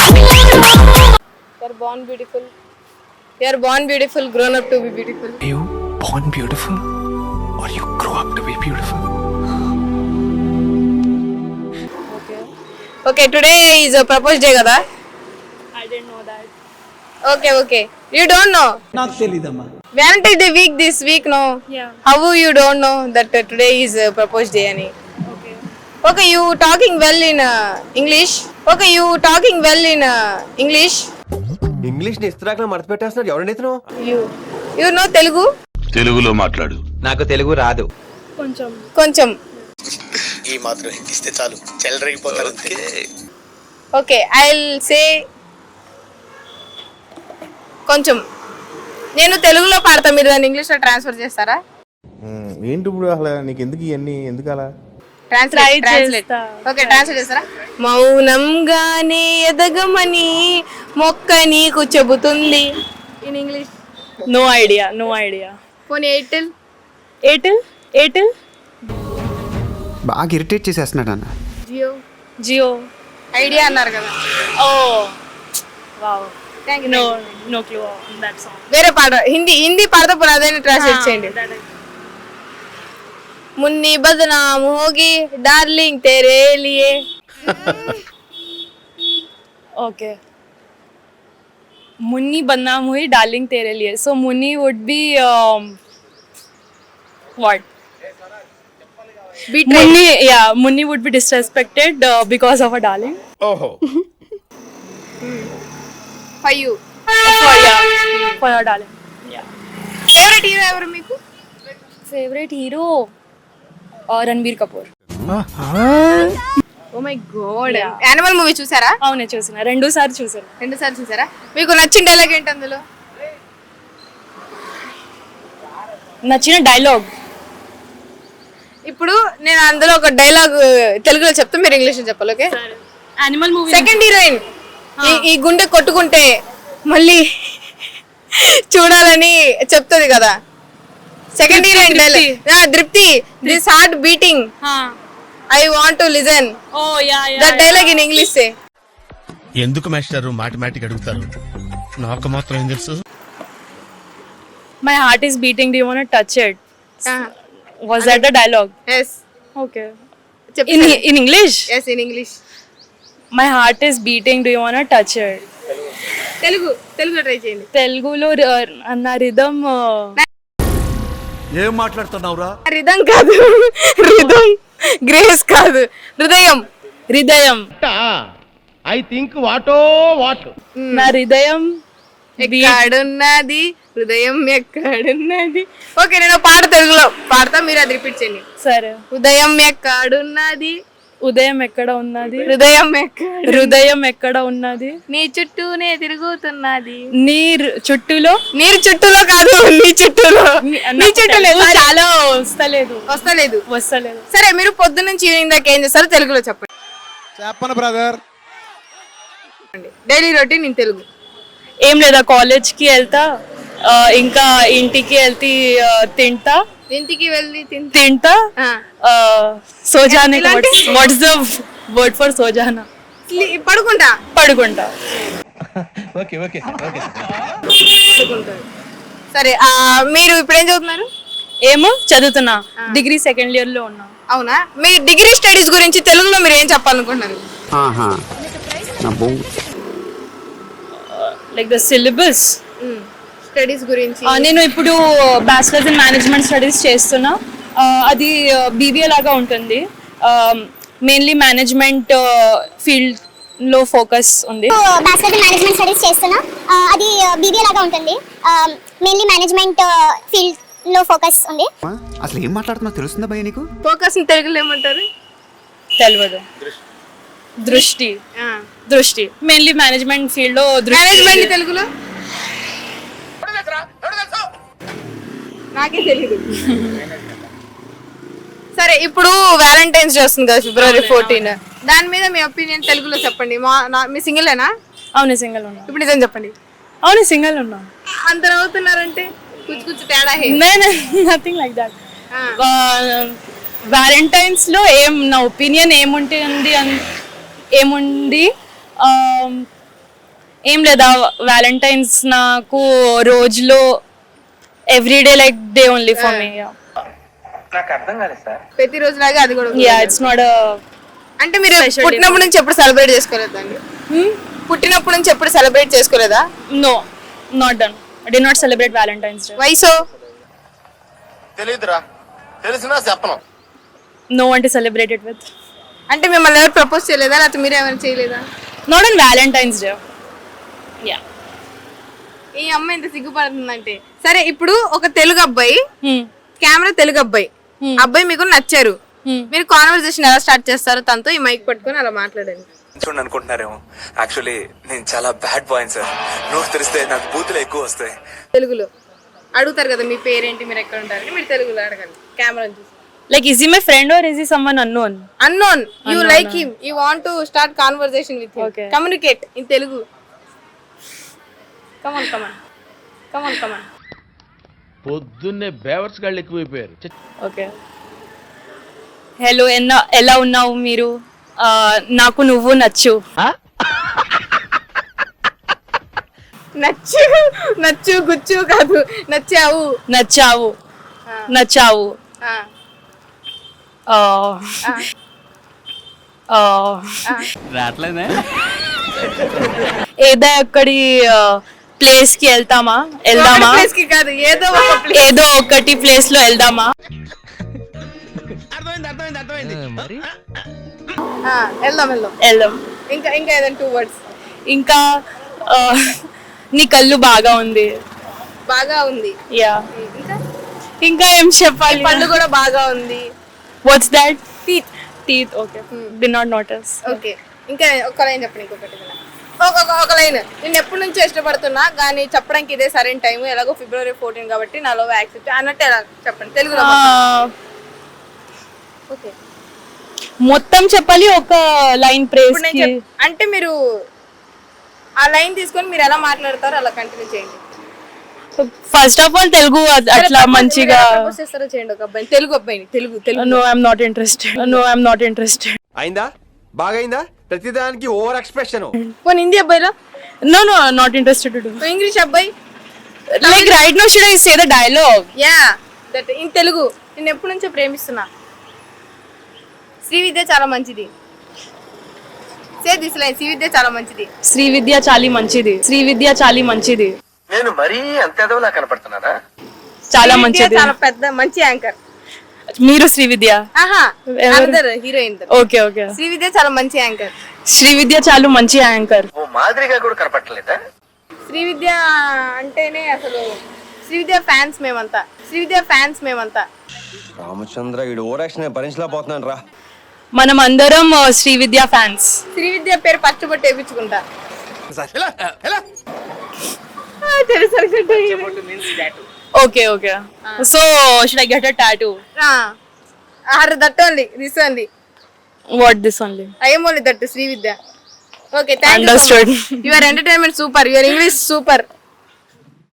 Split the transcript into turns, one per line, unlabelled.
You're born beautiful. You're born beautiful, grown up to be beautiful.
Are you born beautiful or you grow up to be beautiful?
Okay, today is a proposed day, kada?
I didn't know that.
Okay. You don't know?
నాకు తెలీదమ్మా.
Valentine's Day week this week, no?
Yeah.
How you don't know that today is a proposed day, ani?
Okay.
Okay, you talking well in English. Okay, you talking well in English.
English ని ఇస్త్రాకులో మడత పెట్టేస్తున్నాడు ఎవరండి ఇతను?
You know Telugu?
తెలుగులో మాట్లాడు.
నాకు తెలుగు రాదు.
కొంచెం.
ఈ మాత్రం హిందీ చాలు చెల్లరగిపోతారు అంతే.
Okay, I'll say కొంచెం. నేను తెలుగులో పాడతా, మీరు దాన్ని ఇంగ్లీష్లో ట్రాన్స్ఫర్ చేస్తారా?
ఏంటి ఇప్పుడు అసలు నీకు ఎందుకు ఇవన్నీ ఎందుకు అలా?
ట్రాన్స్లేట్. ఓకే, ట్రాన్స్లేట్ చేస్తారా? మౌనంగానే ఎదగమని మొక్క నీకు చెబుతుంది. In English
No idea.
పోనీ ఎయిర్టెల్.
Airtel?
బాగా ఇరిటేట్ చేసేస్తున్నాడు అన్న.
జియో.
Jio.
ఐడియా అన్నారు కదా.
Oh. Wow.
Thank you.
No clue on that song.
వేరే పాట, హిందీ పాడతా పోనీ అదే ట్రాన్స్లేట్ చేయండి. మున్ని బదనామ్ హోగి డార్లింగ్ తేరే లియే.
Okay. Munni badnaam hui darling tere liye. So Munni would be what? Munni would be disrespected because of a darling.
For you.
For your darling. Yeah.
Favourite hero ఎవరు మీకు?
Favorite hero? Ranbir Kapoor.
Oh my god. Animal movie చూసారా?
అవునే చూసిన, 2 సార్లు చూసాను.
2 సార్లు చూసారా? మీకు నచ్చిన డైలాగ్ ఏంటి అందులో?
నచ్చిన డైలాగ్
ఇప్పుడు నేను అందులో ఒక డైలాగ్ తెలుగులో చెప్తా, మీరు ఇంగ్లీష్లో చెప్పాలి. Okay?
Animal movie.
Second heroine ఈ గుండె కొట్టుకుంటే మళ్ళీ చూడాలని చెప్తుంది కదా. Second heroine dialogue Tripti, this heart beating I want to listen.
Oh yeah.
That dialogue in English say.
ఎందుకు మాస్టర్ మాటిమాటికి అడుగుతారు? నాకు మాత్రం ఏం తెలుసు.
My heart is beating, do you want to touch it? Was that the dialogue?
Yes.
Okay.
చెప్పు.
In English?
Yes, in English.
My heart is beating, do you want to touch it?
తెలుగులో try చేయండి.
తెలుగులో నా rhythm.
ఏం మాట్లాడుతున్నావురా?
Rhythm కాదు, rhythm grace కాదు, హృదయం.
ఐ థింక్ వాటో వాట్.
నా హృదయం
ఎక్కడున్నది, హృదయం ఎక్కడున్నది. ఓకే, నేను పాట తెలుగులో పాడతా, మీరు అది రిపీట్ చేయండి.
సరే.
హృదయం ఎక్కడున్నది,
ఉదయం ఎక్కడ ఉన్నది,
హృదయం
ఎక్కడ ఉన్నది,
నీ చుట్టూనే తిరుగుతున్నది.
నీరు చుట్టూలో
కాదు, నీ చుట్టూలో.
చాలా వస్తలేదు.
సరే, మీరు పొద్దు నుంచి ఈవినింగ్ దాకా ఏం చేస్తారో తెలుగులో చెప్పండి.
చెప్పను brother.
Daily routine in Telugu.
ఏం లేదా, కాలేజ్కి వెళ్తా, ఇంకా ఇంటికి వెళ్తే తింటా.
ఇంటికి వెళ్ళి
తింటా. సోజానే. వాట్స్ ద వర్డ్ ఫర్ సోజానా?
పడుకుంటా.
ఓకే.
సరే, మీరు ఇప్పుడు ఏం చదువుతున్నారు?
ఏమో చదువుతున్నా, డిగ్రీ సెకండ్ ఇయర్ లో ఉన్నా.
అవునా? మీ డిగ్రీ స్టడీస్ గురించి తెలుగులో మీరు ఏం చెప్పాలనుకుంటున్నారు?
లైక్ ద సిలబస్
స్టడీస్ గురించి.
నేను ఇప్పుడు బ్యాచిలర్స్ ఇన్ మేనేజ్మెంట్ స్టడీస్ చేస్తున్నా. అది బీబీఏ లాగా ఉంటుంది. మెయిన్లీ మేనేజ్మెంట్ ఫీల్డ్ లో ఫోకస్ ఉంది.
బ్యాచిలర్స్ ఇన్ మేనేజ్మెంట్ స్టడీస్ చేస్తున్నా. అది బీబీఏ లాగా ఉంటుంది. మెయిన్లీ మేనేజ్మెంట్ ఫీల్డ్ లో ఫోకస్ ఉంది.
అసలు ఏం మాట్లాడుతున్నా తెలుస్తుందా భయ్య నీకు?
ఫోకస్ తెలుగులో ఏమంటారు?
తెలియదు. దృష్టి మెయిన్లీ మేనేజ్మెంట్ ఫీల్డ్ లో.
మేనేజ్మెంట్ తెలుగులో నాకే తెలియదు. సరే, ఇప్పుడు వ్యాలంటైన్స్ డే వస్తుంది కదా, February 14. దాని మీద మీ ఒపీనియన్ తెలుగులో చెప్పండి. మీ సింగిలేనా?
అవును, సింగిల్ ఉన్నా.
ఇప్పుడు నిజం చెప్పండి.
అవును, సింగిల్ ఉన్నా.
అంత నవ్వుతున్నారంటే కుచ్చు తేడా.
Nothing like that. వ్యాలంటైన్స్ లో నా ఒపీనియన్ ఏముంది ఏం లేదా వ్యాలంటైన్స్ నాకు రోజులో everyday like day only for me.
ప్రతిరోజు లాగా అది కూడా
యా ఇట్స్ నాట్
అంటే మీరు పుట్టినప్పటి నుంచి ఎప్పుడు సెలబ్రేట్ చేసుకోలేదండి? పుట్టినప్పటి నుంచి ఎప్పుడు సెలబ్రేట్ చేసుకోలేదా?
No not done. I did not celebrate Valentine's day.
Why so?
తెలియదురా, తెలిసినా చెప్పను.
No one to celebrate it with.
అంటే మిమ్మల్ని ఎవరు ప్రపోజ్ చేయలేదా, లేకపోతే మీరు ఏమైనా చేయలేదా?
Not on Valentine's day. Yeah.
ఈ అమ్మాయి ఇంత సిగ్గుపడుతుందంటే సరే, ఇప్పుడు ఒక తెలుగు అబ్బాయి, కెమెరా తెలుగు అబ్బాయి, అబ్బాయి మీకు నచ్చారు, మీరు కాన్వర్సేషన్ ఎలా స్టార్ట్ చేస్తారు తనతో? ఈ మైక్ పట్టుకొని అలా మాట్లాడండి.
చూడండి అనుకుంటున్నారేమో, యాక్చువల్లీ నేను చాలా బ్యాడ్ బాయ్ సార్. నోరు తెరిస్తే నాకు బూతులు ఎక్కువ వస్తాయి.
తెలుగులో అడుగుతారు కదా మీ పేరేంటి, మీరు ఎక్కడ ఉంటారు, మీరు తెలుగులో అడగండి కెమెరా చూసి.
Like, is he my friend or is he someone unknown?
Unknown. You like him. You want to start conversation with him.
Okay.
Communicate in Telugu. Come on.
పొద్దున్నే బేవర్స్ గాళ్ళు ఎక్కువైపోయారు.
Okay. హలో, ఎలా ఉన్నావు మీరు? నాకు నువ్వు నచ్చు.
నచ్చు గుచ్చు కాదు, నచ్చావు.
రాట్లేదే
ఏదో ఒక్కడి ప్లేస్ కి వెళ్దామా?
ప్లేస్ కి కాదు,
ఏదో ఒకటి ప్లేస్ లో వెళ్దామా? వెళ్దాం.
ఇంకా ఏదైనా 2 words.
ఇంకా నీ కళ్ళు బాగా ఉంది. యా. ఇంకా ఏం చెప్పాలి?
పళ్ళు కూడా బాగా ఉంది.
What's that? Teeth. Okay, did not notice.
Okay, ఇంకా ఒక లైన్ చెప్పండి. ఇంకొకటి ఒక లైన్. నేను ఎప్పటి నుంచో ఇష్టపడుతున్నా కానీ చెప్పడానికి ఇదే సరైన టైం, ఎలాగో February 14 కాబట్టి నా లవ్ యాక్సెప్ట్ అన్నట్టు ఎలా చెప్పండి తెలుగులో? ఓకే,
మొత్తం చెప్పాలి ఒక లైన్ ప్రేస్ కి?
అంటే మీరు ఆ లైన్ తీసుకొని మీరు ఎలా మాట్లాడతారో అలా కంటిన్యూ చేయండి.
ఫస్ట్ ఆఫ్ ఆల్ తెలుగు అట్లా మంచిగా
చేస్తారో చేయండి. ఒక అబ్బాయి, తెలుగు అబ్బాయిని, Telugu.
No I'm not interested.
అయిందా? బాగైందా? ప్రతిదానికి ఓవర్ ఎక్స్ప్రెషన్.
పోనీ హిందీ అబ్బాయిలా?
No not interested.
ఇంగ్లీష్ అబ్బాయి?
Like right now should I say the dialogue?
Yeah, that in Telugu. నేను ఎప్పటి నుంచో ప్రేమిస్తున్నా, శ్రీవిద్య చాలా మంచిది. Say this line. శ్రీవిద్య చాలా మంచిది.
నేను మరీ అంత ఎదవలా కనపడుతున్నానా?
చాలా మంచిది.
చాలా పెద్ద మంచి యాంకర్.
మీరు శ్రీవిద్య?
హీరోయిన్.
ఓకే.
శ్రీవిద్య చాలా మంచి యాంకర్.
ఓ మాదిరిగా కూడా కనపడలేదా?
శ్రీవిద్య అంటేనే అసలు శ్రీవిద్య ఫ్యాన్స్ మేమంతా.
రామచంద్ర, వీడు ఓవర్ యాక్షన్ భరించలేకపోతున్నాను రా.
మనం అందరం శ్రీవిద్య ఫ్యాన్స్.
శ్రీవిద్య పేరు పచ్చబొట్టు వేయించుకుంటా.
Okay. So, should I get a tattoo?
That only. This only.
What this only?
I am only that Srividya. Okay, thank you.
Understood.
Your entertainment super. Your English super.